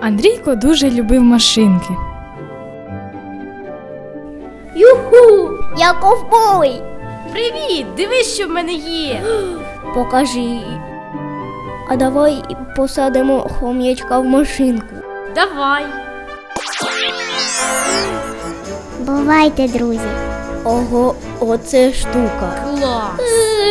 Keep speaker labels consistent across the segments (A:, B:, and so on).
A: Андрійко дуже любив машинки.
B: Юху! Я ковбой!
C: Привіт! Дивись, що в мене є!
B: Покажи. А давай посадимо хом'ячка в машинку.
C: Давай!
B: Бувайте, друзі. Ого, оце штука.
C: Клас!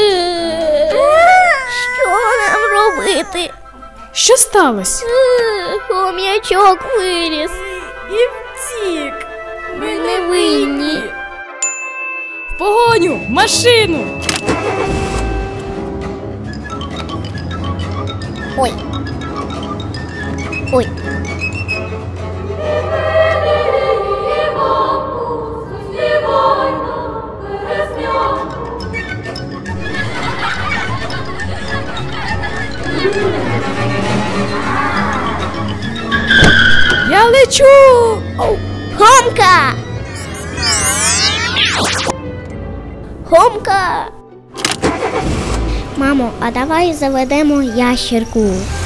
B: Що нам робити?
A: Що сталося?
B: Хом'ячок виліз.
C: І втік!
B: Ми не винні.
A: В погоню! В машину!
B: Ой. Ой.
A: Я лечу!
B: Хомка! Хомка! Мамо, а давай заведемо ящерку.